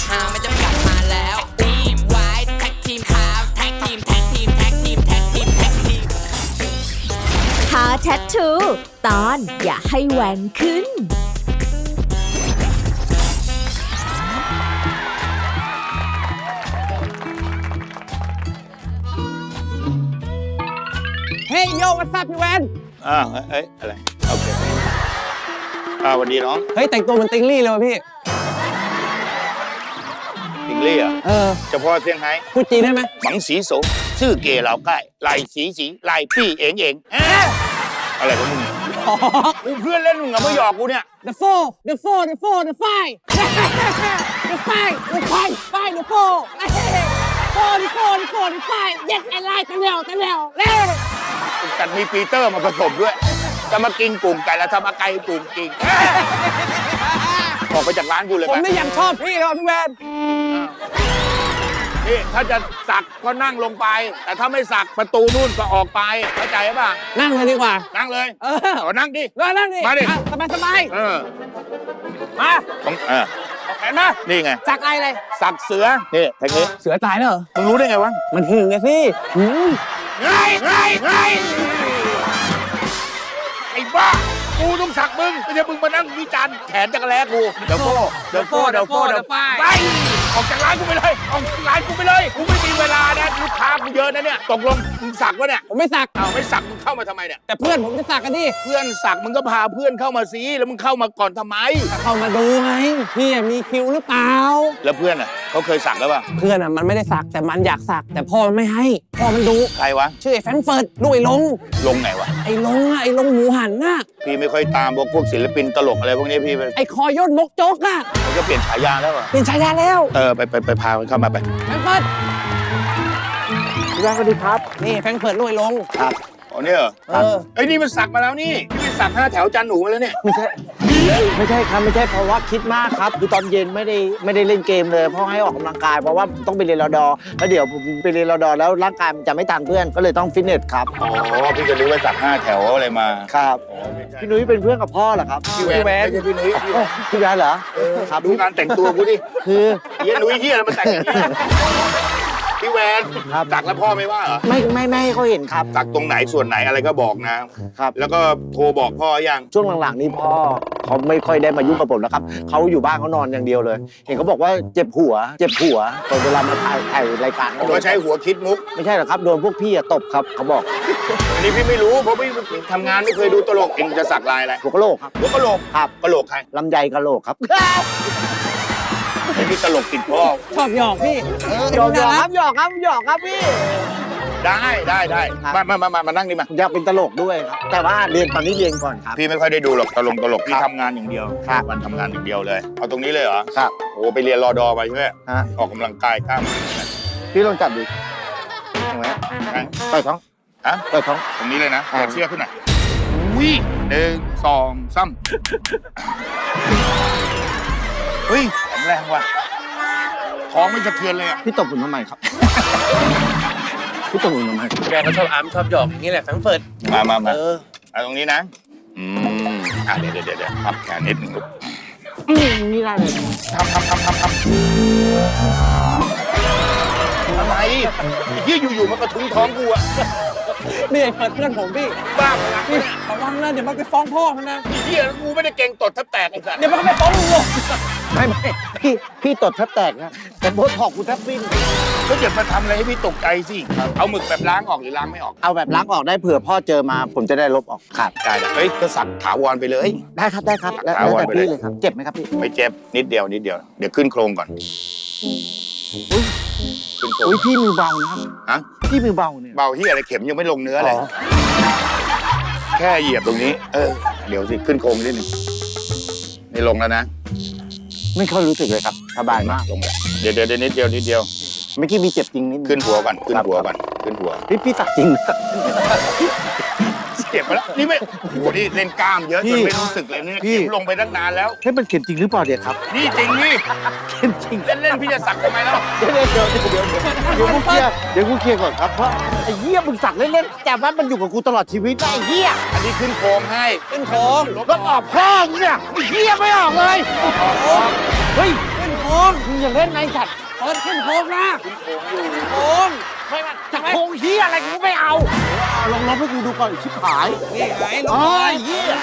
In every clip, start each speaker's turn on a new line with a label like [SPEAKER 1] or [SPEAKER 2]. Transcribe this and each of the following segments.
[SPEAKER 1] ฮาไม่จำกัดมาแล้วทีมไว้แท็กทีมขาวแท็กทีมแท็กทีมแท็กทีมแท็กทีมแท็กทีม
[SPEAKER 2] ท้าแทททูตอนอย่าให้แหวนขึ้น
[SPEAKER 3] เฮ้ยโยวัตซับพี่แวน
[SPEAKER 4] อะไรโอเคสวัสดีน้อง
[SPEAKER 3] เฮ้ยแต่งตัวเหมือนติงลี่เลยว่ะพี่
[SPEAKER 4] ติงลี่อ่ะเฉพาะเซี่ยงไฮ้
[SPEAKER 3] พูดจีนได้ไหม
[SPEAKER 4] บังสีโสชื่อเกเหล่าใกล้ไหลสีไหลปี้เองอะไรของมึงกูเพื่อนเล่นมึงอะไม่หยอกกูเนี่ย
[SPEAKER 3] The five the five the five the five the five the five the four the five เย็ดอะไรตะเร็ว
[SPEAKER 4] แต่มีปีเตอร์มาผสมด้วยจะมากินกลุ่มไก่แล้วทำอาไก่กลุ่มกินออกไปจากร้านกูเลย
[SPEAKER 3] ผมไม่ยังชอบพี่เลยพี่แวน
[SPEAKER 4] นี่ถ้าจะสักก็นั่งลงไปแต่ถ้าไม่สักประตูนู่นก็ออกไปเข้าใจป่ะ
[SPEAKER 3] นั่งเลยดีกว่า
[SPEAKER 4] นั่งเลยนั่งดิ
[SPEAKER 3] นั่งดิ
[SPEAKER 4] มาดิ
[SPEAKER 3] สบายมา
[SPEAKER 4] ต้อง
[SPEAKER 3] เอาแขนมา
[SPEAKER 4] นี่ไง
[SPEAKER 3] สักอะไร
[SPEAKER 4] สักเสือนี่ทางนี้
[SPEAKER 3] เสือตายแล้วเหรอ
[SPEAKER 4] มึงรู้ได้ไงวะ
[SPEAKER 3] มันหึงไงสิ
[SPEAKER 4] ไงไอ้บ้ากูต้องสักมึงไม่ใช่มึงมานั่งวิจารณ์แขนจักรแล้กูเดี๋ยวไปออกจากร้านกูไปเลยออกจากร้านกูไปเลยกูไม่มีเวลานะลูกค้ากูเยอะนะเนี่ยตกลงมึงสักวะเนี่ย
[SPEAKER 3] ผมไม่สัก
[SPEAKER 4] ไม่สักมึงเข้ามาทำไมเนี่ย
[SPEAKER 3] แต่เพื่อนผมจะสักกันดิ
[SPEAKER 4] เพื่อนสักมึงก็พาเพื่อนเข้ามาสิแล้วมึงเข้ามาก่อนทำไม
[SPEAKER 3] เข้ามาดูไงพี่มีคิวหรือเปล่า
[SPEAKER 4] แล้วเพื่อนอ่ะเขาเคยสักแล้วป่ะ
[SPEAKER 3] เพื่อนอ่ะมันไม่ได้สักแต่มันอยากสักแต่พ่อมันไม่ให้พ่อมันดู
[SPEAKER 4] ใครวะ
[SPEAKER 3] ชื่อไอ้แฟรงก์เฟิร์ตลูกไอ้ลง
[SPEAKER 4] ไหนวะ
[SPEAKER 3] ไอ้ลงหมูหันน่ะ
[SPEAKER 4] พี่ไม่ค่อยตามพวกศิลปินตลกอะไรพวกนี้พี่
[SPEAKER 3] ไอ้คอยนมกโจ๊กอ่ะ
[SPEAKER 4] เขาจะเปลี่ยนฉายาแล้วอ่ะ
[SPEAKER 3] เปลี่ยนฉายาแล้ว
[SPEAKER 4] ไปพามันเข้ามาไป
[SPEAKER 3] แฟรงก์เฟิร์ตสวัสดีครับนี่แฟรงก์เฟิร์ตลูกไอ้ลง
[SPEAKER 4] ครับอ๋อเนี่ยเหรอไอ้นี่มันสักมาแล้วนี่สัก5 แถวจันหนูมาแล้วเนี่ย
[SPEAKER 5] ไม่ใช่ครับไม่ใช่เพราะว่าคิดมากครับคือตอนเย็นไม่ได้เล่นเกมเลยเพราะให้ออกกำลังกายเพราะว่าต้องไปเรียนรดแล้วเดี๋ยวผมไปเรียนรดแล้วร่างกายมันจะไม่ทันเพื่อนก็เลยต้องฟิตเนสครับ
[SPEAKER 4] อ๋อพี่จะรู้ว่าสัก5 แถวอะไรมา
[SPEAKER 5] ครับพี่นุ้ยเป็นเพื่อนกับพ่อเหรอครับ
[SPEAKER 4] พี่แวนไม่ใช่พี่นุ้ย
[SPEAKER 5] พี่แวนเหรอ
[SPEAKER 4] ครับดูการแต่งตัวกูดิ
[SPEAKER 5] คือ
[SPEAKER 4] เฮียนุ้ยเฮียอะไรมาแต่งอย่างนี้พี่แวนสักแล้วพ่อไม่ว่าเหรอ
[SPEAKER 5] ไม่ให้เขาเห็นครับ
[SPEAKER 4] สักตรงไหนส่วนไหนอะไรก็บอกนะครับแล้วก็โทรบอกพ่อยัง
[SPEAKER 5] ช่วงหลังๆนี้พ่อเขาไม่ค่อยได้มายุ่งกับผมแล้วครับเขาอยู่บ้านเขานอนอย่างเดียวเลยเห็นเขาบอกว่าเจ็บหัวตอนเวลามาถ่ายรายการ
[SPEAKER 4] เขาใช้หัวคิดมุก
[SPEAKER 5] ไม่ใช่หรอกครับโดนพวกพี่ตบครับเขาบอก
[SPEAKER 4] อันนี้พี่ไม่รู้เพราะพี่ทำงานไม่เคยดูตลกเองจะสักลายอะไร
[SPEAKER 5] หัวกะโหลกครับ
[SPEAKER 4] หัวกะโหลก
[SPEAKER 5] ครับ
[SPEAKER 4] กะโหลกใคร
[SPEAKER 5] ลำไยกะโหลกครับ
[SPEAKER 4] พี่ตลกติดพ่อ
[SPEAKER 3] ชอบหยอกพี่
[SPEAKER 5] หยอกครับพี่
[SPEAKER 4] ได้มานั่งดิมา
[SPEAKER 5] อยากเป็นตลกด้วยครับแต่ว่าตอนนี้เรียนก่อนครับ
[SPEAKER 4] พี่ไม่ค่อยได้ดูหรอกตลกพี่ทำงานอย่างเดียววันทำงานอย่างเดียวเลยเอาตรงนี้เลยเหรอ
[SPEAKER 5] ครับ
[SPEAKER 4] โอ้ไปเรียนรอดอไปใช่ไหมออกกำลังกายกล้าม
[SPEAKER 5] พี่ลองจับดูเห็นไหมต่อยท้องต่อยท้อง
[SPEAKER 4] ตรงนี้เลยนะเชือกขึ้นหน่อย1 2 3เฮ้ยแข็งแรงว่ะท้องไม่สะเทือนเลยอ่ะ
[SPEAKER 5] พี่ตบผมทำไมครับพี่ตบผมทำไม
[SPEAKER 3] แกก็ชอบชอบหยอกอย่างนี้แหละแฟรงก์เฟิร์ต
[SPEAKER 4] มาตรงนี้นะเดี๋ยวพับแขนนิดนึงลูก
[SPEAKER 5] นี่ได้เลย
[SPEAKER 4] ทำอะไรยี่อยู่มันกระทุ้งท้องกูอะ
[SPEAKER 3] นี่ไอ้เฟิร์ตเพื่อนผมพี่
[SPEAKER 4] บ้า
[SPEAKER 3] พี่ระวังนะเดี๋ยวมันไปฟ้องพ่อมันนะ
[SPEAKER 4] เฮียกูไม่ได้เก่งตดแทบแตกไอ้สัส
[SPEAKER 3] เดี๋ยวมันก็ไปฟ้องลุงหรอก
[SPEAKER 5] ไม่พี่ตดแทบแตกนะแต่โบท็อกกูแทบวิ่ง
[SPEAKER 4] ก็อย่ามาทำอะไรให้พี่ตกใจสิเอาหมึกแบบล้างออกหรือล้างไม่ออก
[SPEAKER 5] เอาแบบล้างออกได้เผื่อพ่อเจอมาผมจะได้ลบออกครับ
[SPEAKER 4] ได้เฮ้ยก็สักถาวรไปเลย
[SPEAKER 5] ได้ครับแล้วแต่พี่เลยครับเจ็บไหมครับพี่
[SPEAKER 4] ไม่เจ็บนิดเดียวเดี๋ยวขึ้นโครงก่อน
[SPEAKER 5] อุ้ยพี่มือเบานะครับพี่มือเบาเนี่ย
[SPEAKER 4] เบาที่อะไรเข็มยังไม่ลงเนื้อเลยแค่เหยียบตรงนี้เดี๋ยวสิขึ้นโครงนิดนึงนี่ลงแล้วนะ
[SPEAKER 5] ไม่ค่อยรู้สึกเลยครับสบายมาก
[SPEAKER 4] ลงแล้วเดี๋ยวนิดเดียว
[SPEAKER 5] ไม่คิดมีเจ็บจริงนิด
[SPEAKER 4] ขึ้นหัวก่อน
[SPEAKER 5] พี่ตักจริง
[SPEAKER 4] เจ็บไปแล้วนี่ไม่โอ้โหนี่เล่นกล้ามเยอะจนไม่รู้สึกเลยเนี่ยพี่ลงไปตั้งนานแล้ว
[SPEAKER 5] ให้มันเข็มจริงหรือเปล่าเนี่ยครับ
[SPEAKER 4] นี่จริงนี่
[SPEAKER 5] เข็มจริง
[SPEAKER 4] เล่นพี่จะสักทำไมแล้ว
[SPEAKER 5] เดี๋ยวกูเคลียร์ก่อนครับเพราะไอ้เหี้ยมึงสักเล่นๆแต่ว่ามันอยู่กับกูตลอดชีวิตไอ้เหี้ย
[SPEAKER 4] อันนี้ขึ้นโครงให้
[SPEAKER 3] ขึ้นโครง
[SPEAKER 5] ก็ออกพ่อเนี่ยไอ้เหี้ยไม่ออกเลย
[SPEAKER 3] เฮ้ยขึ้นโครงมึงอย่าเล่นในสัตว์เปิดขึ้นโค้งนะโค้งไม่มาจะโค้งเฮียอะไรกูไม่เอา
[SPEAKER 5] ลองให้กูดูก่อนชิบหาย
[SPEAKER 3] นี่ไงลง
[SPEAKER 5] อ๋อ
[SPEAKER 3] เลย
[SPEAKER 5] เหี้ย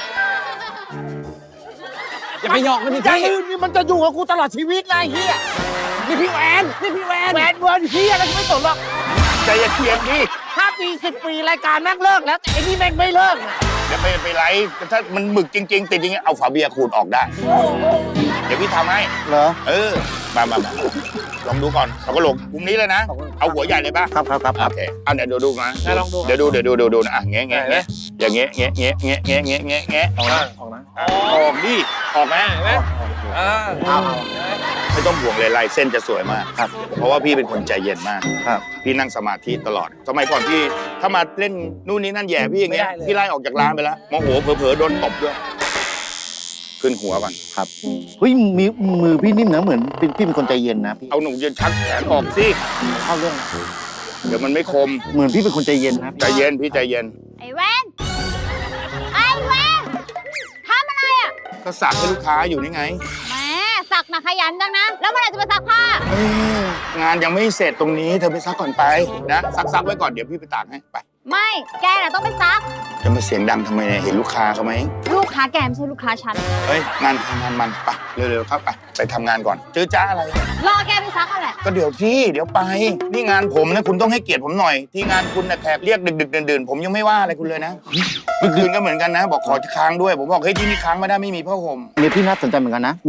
[SPEAKER 3] อย่าไปหยอกมันดิ
[SPEAKER 5] ไอ้
[SPEAKER 3] พี่
[SPEAKER 5] นี่มันจะอยู่กับกูตลอดชีวิตไงเฮีย
[SPEAKER 3] นี่พี่แวนนี่พี่แวน
[SPEAKER 5] แหวนเวิร์นเฮียอะไรกูไม่สนหรอก
[SPEAKER 4] ใจเย็นๆดิ
[SPEAKER 5] 5 ปี 10 ปีรายการแม่งเลิกแล้วแต่ไอ้นี่แม่งไม่เลิกนะ
[SPEAKER 4] เดี๋ยวไม่เป็นไรถ้ามันหมึกจริงๆติดจริงๆเอาฝาเบียร์ขูดออกได้ เดี๋ยวพี่ทำให้
[SPEAKER 5] เหรอ
[SPEAKER 4] มาลองดูก่อนเอากระโหลกกลุ่มนี้เลยนะ เอาหัวใหญ่เลยป่ะ
[SPEAKER 5] ครับ
[SPEAKER 4] โอเคเอาเดี๋ยวดูนะ
[SPEAKER 3] ลองดู
[SPEAKER 4] เดี๋ยวดูนะอ่ะแงะอย่างเงี้ยออกนะออกดิออกนะ
[SPEAKER 3] เห็นไหม
[SPEAKER 5] เอา
[SPEAKER 4] ไม่ต้องห่วงเลยลายเส้นจะสวยมาก
[SPEAKER 5] ครับ
[SPEAKER 4] เพราะว่าพี่เป็นคนใจเย็นมาก
[SPEAKER 5] ครับ
[SPEAKER 4] พี่นั่งสมาธิตลอดสมัยก่อนพี่ถ้ามาเล่นนู่นนี่นั่นแย่พี่อย่างเงี้ยพี่ไล่ออกจากร้านไปแล้วโมโหเผลอๆโดนตบด้วยขึ้นหัวก่อน
[SPEAKER 5] ครับเฮ้ยมือพี่นิ่มนะเหมือนพี่เป็นคนใจเย็นนะพี่
[SPEAKER 4] เอาหนุ่มจะชักแขนออกสิ
[SPEAKER 5] เข้าเรื่อง
[SPEAKER 4] เดี๋ยวมันไม่คม
[SPEAKER 5] เหมือนพี่เป็นคนใจเย็นนะ
[SPEAKER 4] ใจเย็นพี่ใจเย็น
[SPEAKER 6] ไอ้แวนไอ้แวนทำอะไรอ่ะ
[SPEAKER 4] ก็สักให้ลูกค้าอยู่นี่ไง
[SPEAKER 6] แหมสักนะขยันจังนะ แล้วเมื่อไหร่จะไปซักผ้า
[SPEAKER 4] งานยังไม่เสร็จตรงนี้เธอไปซักก่อนไปนะซักไว้ก่อนเดี๋ยวพี่ไปตากให้ไป
[SPEAKER 6] ไม่ แกน่ะต้องไปซัก
[SPEAKER 4] จะมาเสียงดังทำไมเนี่ยเห็นลูกค้าเขาไหม
[SPEAKER 6] ลูกค้าแกไม่ใช่ลูกค้าฉัน
[SPEAKER 4] เฮ้ยงานมันไปเร็วๆครับไปทำงานก่อนเจอจ้าอะไร
[SPEAKER 6] รอแกไปซักนั่นแหละ
[SPEAKER 4] ก็เดี๋ยวไปนี่งานผมนะคุณต้องให้เกียรติผมหน่อย ที่งานคุณนะแขกเรียกดึกดื่นผมยังไม่ว่าอะไรคุณเลยนะเมื่อคืนก็เหมือนกันนะ บอกขอค้างด้วยผมบอกเฮ้ยที่นี่ค้างไม่ได้ไม่มีผ้าห่ม
[SPEAKER 5] เมียพี่น่าสนใจเหมือนกันนะ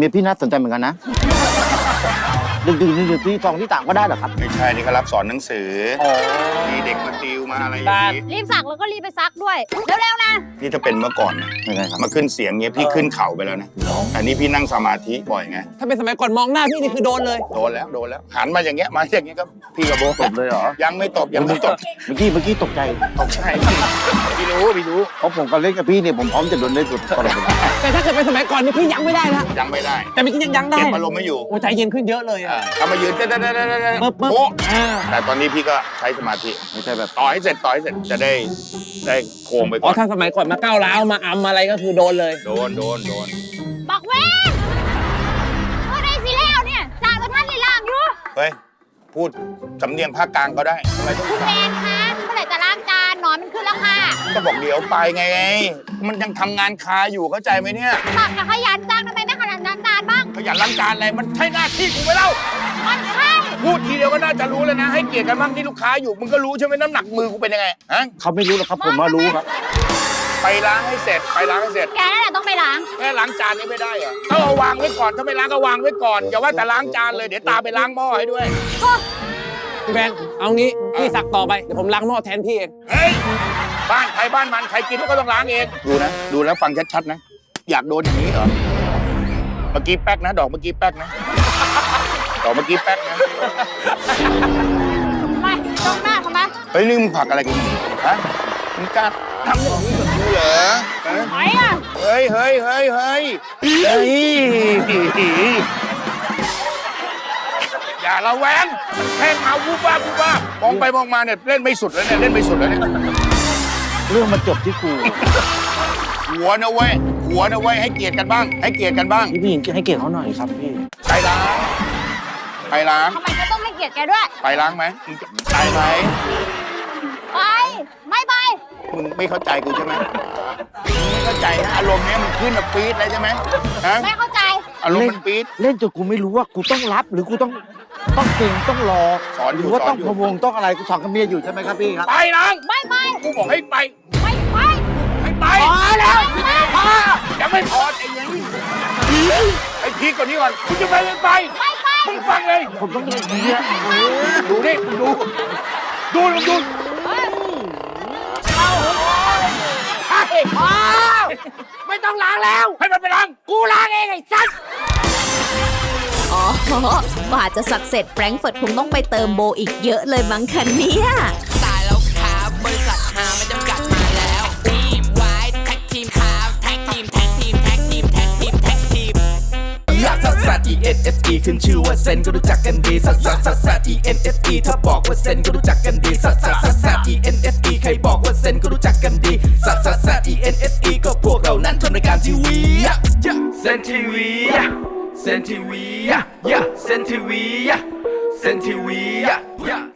[SPEAKER 5] ดึกที่ตองที่ต่างก็ได้เหรอครับ
[SPEAKER 4] ไม่ใช่นี่เขารับสอนหนังสือมีเด็กมาติวมาอะไรอย่างนี้
[SPEAKER 6] รีบซักแล้วก็รีบไปซักด้วย เร็วๆนะ
[SPEAKER 4] นี่ถ้าเป็นเมื่อก่อนนะ
[SPEAKER 5] ไม่ได้ครับ
[SPEAKER 4] มาขึ้นเสียงเงี้ยพี่ขึ้นเข่าไปแล้วนะอันนี้พี่นั่งสมาธิบ่อยไง
[SPEAKER 3] ถ้าเป็นสมัยก่อนมองหน้าพี่นี่คือโดนเลย
[SPEAKER 4] โดนแล้วหันมาอย่างเงี้ยก็พี่กับโบ
[SPEAKER 5] ตบเลยเหรอ
[SPEAKER 4] ยังไม่ตบ
[SPEAKER 5] เมื่อกี้ตกใจ
[SPEAKER 4] ตกใจพี่รู้
[SPEAKER 5] เพราะผมก็เล่นกับพี่เนี่ยผมพร้อมจะโดนเล่นตลอดเวลา
[SPEAKER 3] แต่ถ้าเกิดเป็นสมัยก่อนนี่พี่ยังไม่ได้นะ
[SPEAKER 4] ยังไม่ได้
[SPEAKER 3] แต่เมื่อกี้ยังได้
[SPEAKER 4] เก็บอารมณ์ไม่อยู่
[SPEAKER 3] โอ้ใจเย็นขึ้นเยอะเลยอ่ะ
[SPEAKER 4] ทำมายืน
[SPEAKER 3] ปึ๊บ
[SPEAKER 4] โอ้
[SPEAKER 3] อ่า
[SPEAKER 4] แต่ตอนนี้พี่ก็ใช้สมาธิ
[SPEAKER 5] ไม่ใช่แบบ
[SPEAKER 4] ต่อให้เสร็จจะได้โค้งไป
[SPEAKER 3] อ๋
[SPEAKER 4] ก่
[SPEAKER 3] อ
[SPEAKER 4] อน
[SPEAKER 3] ถ้าสมัยก่อนมาก้าวร้าวมาอำอะไรก็คือโดนเลย
[SPEAKER 4] โดน
[SPEAKER 6] บอกเวนเมื่อไรสิแล้วเนี่ยจ่ายมาท่านลีลางอยู่
[SPEAKER 4] เฮ้ยพูดสำเนียงภาคกลางก็ได้ทำไมต้อง
[SPEAKER 6] คุณแมนคะเมื่อไหร่จะล้างจานหนอนมันขึ้นแล้วค่ะ
[SPEAKER 4] ก็บอกเดี๋ยวไปไงมันยังทำงานคาอยู่เข้าใจไหมเนี่ย
[SPEAKER 6] สักนะขยันจังทำไมไม่ขยันล้างจานบ้าง
[SPEAKER 4] ขยันล้างจานอะไรมันใช่หน้าที่กูไหมเล่า
[SPEAKER 6] มันใช่
[SPEAKER 4] พูดทีเดียวก็น่าจะรู้แล้วนะให้เกียรติกันบ้างที่ลูกค้าอยู่มึงก็รู้ใช่ไหมน้ำหนักมือกูเป็นยังไงฮะ
[SPEAKER 5] เขาไม่รู้หรอกครับผมมารู้ครับ
[SPEAKER 4] ไปล้างให้เสร็จ
[SPEAKER 6] แกนั่นแหละต้องไปล้าง
[SPEAKER 4] แค่ล้างจานนี้ไม่ได้เหรอต้องเอาวางไว้ก่อนถ้าไม่ล้างก็วางไว้ก่อนอย่าว่าแต่ล้างจานเลยเดี๋ยวตามไปล้างหม้อให้ด้วย
[SPEAKER 3] พี่แบนเอางี้พี่สักต่อไปเดี๋ยวผมล้างหม้อแทนพี่เอง
[SPEAKER 4] เฮ้ยบ้านใครบ้านมันใครกินก็ต้องล้างเองดูแล้วฟังชัดๆนะอยากโดนอย่างนี้เหรอเมื่อกี้แป๊กนะดอกเมื่อกี้แป๊กนะดอกเมื่อกี้แป๊กนะ
[SPEAKER 6] ไม่ตรงหน้าเขามา
[SPEAKER 4] เฮ้ยนี่มึงผลักอะไรกันฮะมึงกล้าทำอย่างนี้กับกูเหรอฮะ
[SPEAKER 6] ไหนอ่ะ
[SPEAKER 4] เฮ้ยอย่าระแวงแค่มาวูบวาบมองไปมองมาเนี่ยเล่นไม่สุดแล้วเนี่ย
[SPEAKER 5] เรื่องมันจบที่กู
[SPEAKER 4] หัวนะเว้ยให้เกียรติกันบ้าง
[SPEAKER 5] พี่หญิงให้เกียรติเขาหน่อยครับพี่
[SPEAKER 4] ไปล้าง
[SPEAKER 6] ทำไมก็ต้องให้เกียรติแกด้วย
[SPEAKER 4] ไปล้างไหมมึงจะไปไหม
[SPEAKER 6] ไปไม่ไป
[SPEAKER 4] มึงไม่เข้าใจกูใช่ไหมมึงไม่เข้าใจนะอารมณ์เนี้ยมันขึ้นแบบปี๊ดเลยใช่ไหมฮะ
[SPEAKER 6] ไม่เข้าใจ
[SPEAKER 4] อารมณ์มันปี๊ด
[SPEAKER 5] เล่นจนกูไม่รู้ว่ากูต้องรับหรือกูต้องเก่งต้องรอ
[SPEAKER 4] สอนอยู่
[SPEAKER 5] หรือว่าต้อง
[SPEAKER 4] สอนอยู่
[SPEAKER 5] พะวงต้องอะไรกูสอนกับเมียอยู่ใช่ไหมครับพี่ครับ
[SPEAKER 4] ไปล้าง
[SPEAKER 6] ไม่ไป
[SPEAKER 4] กูบอกให้ไป
[SPEAKER 6] ไม่ไป
[SPEAKER 4] ให้ไป
[SPEAKER 5] พอแล้ว
[SPEAKER 4] พอยังไม่พอไอ้ยังไอ้พีกกว่านี้ก่อนกูจะไปไม่ไป
[SPEAKER 6] ไม่ไป
[SPEAKER 4] มึงฟังเลย
[SPEAKER 5] ผมต้องเล่นอย่างเงี้ย
[SPEAKER 4] ดูนี่มึงดู
[SPEAKER 3] ไม่ต้องล้างแล้ว
[SPEAKER 4] ให้มันไปล้าง
[SPEAKER 3] กูล้างเองไอ้สัส
[SPEAKER 2] อ๋อกว่าจะสักเสร็จแฟรงก์เฟิร์ตคงต้องไปเติมโบอีกเยอะเลยมั้งคะเนี่ย
[SPEAKER 1] ตายแล้วครับบริษัทหาไม่จำกัดมาแล้วทีมไว้แท็กทีมครับแท็กทีม
[SPEAKER 7] ลักซัสซัส E N S E ขึ้นชื่อว่าเซนก็รู้จักกันดีซัสซัสซัสซัส E N S E ถ้าบอกว่าเซนก็รู้จักกันดีซัสซัสซัสซัส E N S E ใครบอกว่าเซนก็รู้จักกันดีซัสซัสซัส E N S E ก็พวกเรานั้นทำรายการทีวีเซนทีวีเซนทีวีเซนทีวีเซนทีวี